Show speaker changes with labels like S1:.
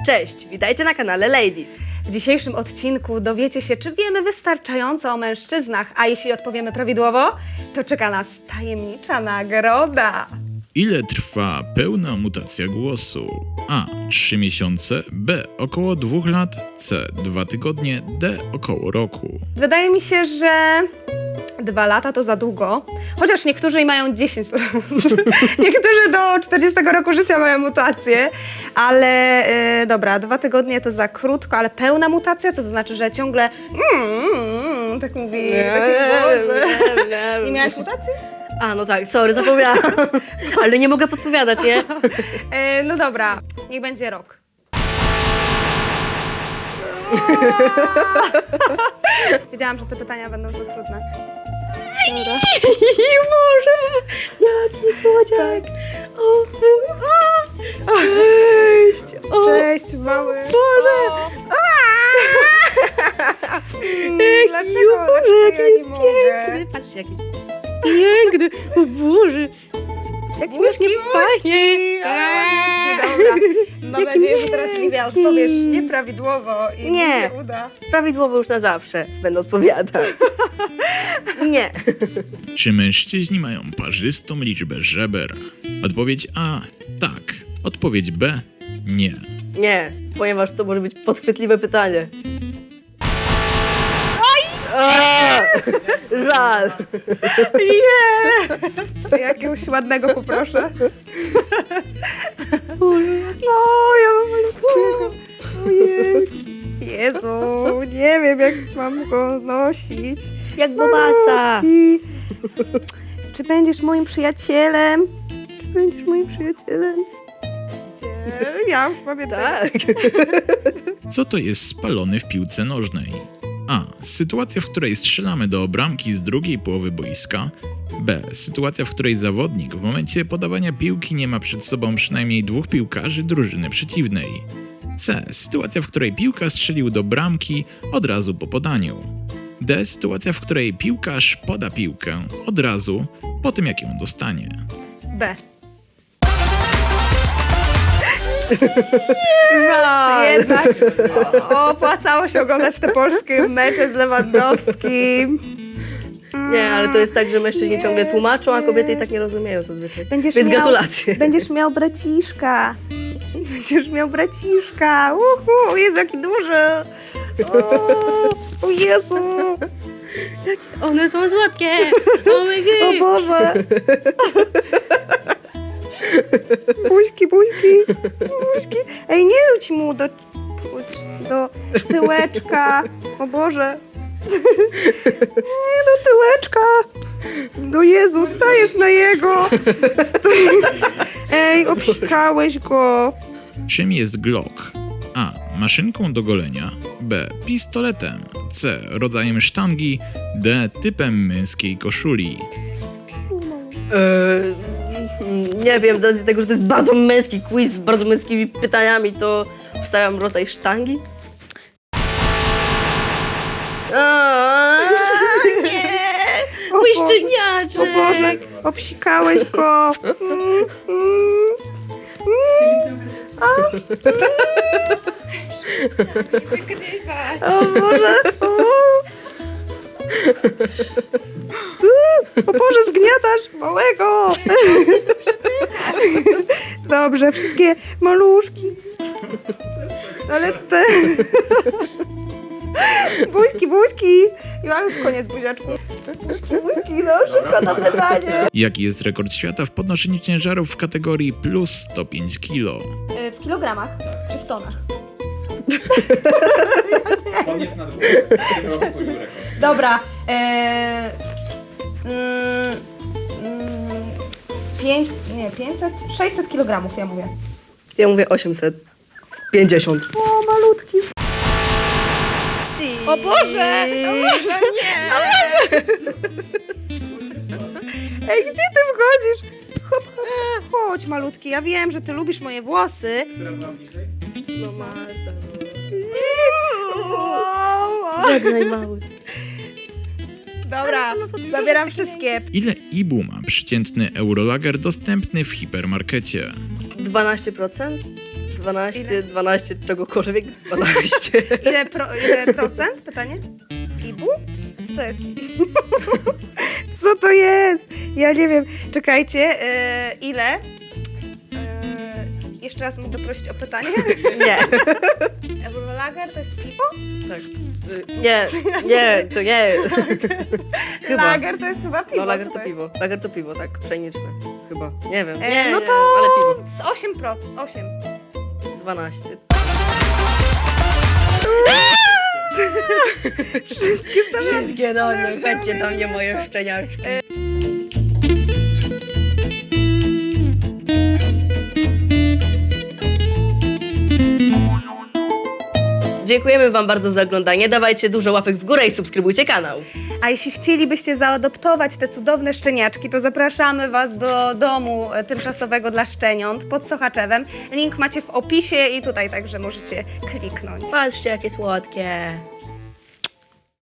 S1: Cześć, witajcie na kanale Ladies.
S2: W dzisiejszym odcinku dowiecie się, czy wiemy wystarczająco o mężczyznach, a jeśli odpowiemy prawidłowo, to czeka nas tajemnicza nagroda.
S3: Ile trwa pełna mutacja głosu? A. 3 miesiące, B. Około 2 lat, C. 2 tygodnie, D. Około roku.
S2: Wydaje mi się, że 2 lata to za długo, chociaż niektórzy mają 10 lat. Niektórzy do 40 roku życia mają mutację, ale dobra, 2 tygodnie to za krótko, ale pełna mutacja, co to znaczy, że ciągle tak mówi, nie miałaś mutacji?
S1: A, no tak, sorry, zapomniałam. Ale nie mogę podpowiadać, nie?
S2: No dobra, niech będzie rok. Wiedziałam, że te pytania będą za trudne. Dobra.
S1: Boże, jaki słodziak. O, cześć. O,
S2: Cześć, mały.
S1: Boże.
S2: Dlaczego?
S1: Boże, jaki
S2: ja
S1: jest
S2: nie mogę?
S1: piękny. Patrzcie, jaki jest piękny. O Boże. Jak śmiesznie pachnie.
S2: Dobra. Mam nadzieję, że teraz Livia odpowiesz nieprawidłowo i mi
S1: Nie.
S2: się uda.
S1: Prawidłowo już na zawsze będę odpowiadać. Nie.
S3: Czy mężczyźni mają parzystą liczbę żeber? Odpowiedź A. Tak. Odpowiedź B. Nie.
S1: Nie, ponieważ to może być podchwytliwe pytanie. Żal.
S2: Jakiegoś ładnego poproszę. O, ja mam malutkiego. Ojej. Jezu, nie wiem, jak mam go nosić.
S1: Jak bobasa.
S2: I czy będziesz moim przyjacielem? Czy będziesz moim przyjacielem? Nie, ja już pamiętam.
S1: Tak.
S3: Co to jest spalony w piłce nożnej? A. Sytuacja, w której strzelamy do bramki z drugiej połowy boiska. B. Sytuacja, w której zawodnik w momencie podawania piłki nie ma przed sobą przynajmniej 2 piłkarzy drużyny przeciwnej. C. Sytuacja, w której piłka strzelił do bramki od razu po podaniu. D. Sytuacja, w której piłkarz poda piłkę od razu po tym, jak ją dostanie.
S2: B.
S1: Żal.
S2: Jednak opłacało się oglądać te polskie mecze z Lewandowskim.
S1: Nie, ale to jest tak, że mężczyźni ciągle tłumaczą, a kobiety i tak nie rozumieją zazwyczaj. Więc
S2: miał-
S1: gratulacje.
S2: Będziesz miał braciszka. Będziesz miał braciszka. Jezu, jaki duży. O Jezu.
S1: One są słodkie. Oh my
S2: O
S1: God.
S2: Boże. Buźki, buźki, buźki. Ej, nie rzuć mu do tyłeczka. O Boże. Nie do tyłeczka. Do Jezu, stajesz na jego. Ej, obsikałeś go.
S3: Czym jest Glock? A. Maszynką do golenia. B. Pistoletem. C. Rodzajem sztangi. D. Typem męskiej koszuli.
S1: Nie wiem, z racji tego, że to jest bardzo męski quiz z bardzo męskimi pytaniami, to wstawiam rodzaj sztangi. Nie! Mój
S2: Boże.
S1: szczeniaczek!
S2: O Boże, obsikałeś go. O Boże. O Boże, zgniatasz małego. Dobrze, wszystkie maluszki. Ale te... Buźki, buźki. Ja już koniec buziaczku. Buźki, no szybko na pytanie.
S3: Jaki jest rekord świata w podnoszeniu ciężarów w kategorii plus 105 kg?
S2: W kilogramach czy w tonach?
S4: On jest na 2. W tym roku pobił rekord.
S2: Dobra. 500? 600 kg ja mówię.
S1: Ja mówię 850.
S2: O, malutki. O Boże!
S1: No nie!
S2: Ej, gdzie ty wchodzisz? Hop, hop, chodź, malutki. Ja wiem, że ty lubisz moje włosy.
S4: Która była bliżej?
S1: No Marta,
S2: O,
S1: żegnaj mały.
S2: Dobra, zabieram wszystkie.
S3: Ile IBU ma przeciętny Eurolager dostępny w hipermarkecie?
S1: 12%? 12 czegokolwiek, 12.
S2: Ile procent? Pytanie? Ibu? Co to jest? Co to jest? Ja nie wiem. Czekajcie, ile? Jeszcze raz mogę prosić o pytanie?
S1: Nie.
S2: Eurolager to jest piwo?
S1: Tak. Nie, to nie. Chyba.
S2: Lager to jest chyba piwo.
S1: No, lager
S2: co
S1: to
S2: jest?
S1: piwo. Lager to piwo, tak, pszeniczne. Chyba. Nie wiem.
S2: No
S1: nie,
S2: to
S1: ale piwo.
S2: z 8%.
S1: 12. Wszystkie do mnie, chodźcie do mnie, moje szczeniaczki. Dziękujemy Wam bardzo za oglądanie. Dawajcie dużo łapek w górę i subskrybujcie kanał.
S2: A jeśli chcielibyście zaadoptować te cudowne szczeniaczki, to zapraszamy Was do domu tymczasowego dla szczeniąt pod Sochaczewem. Link macie w opisie i tutaj także możecie kliknąć.
S1: Patrzcie, jakie słodkie.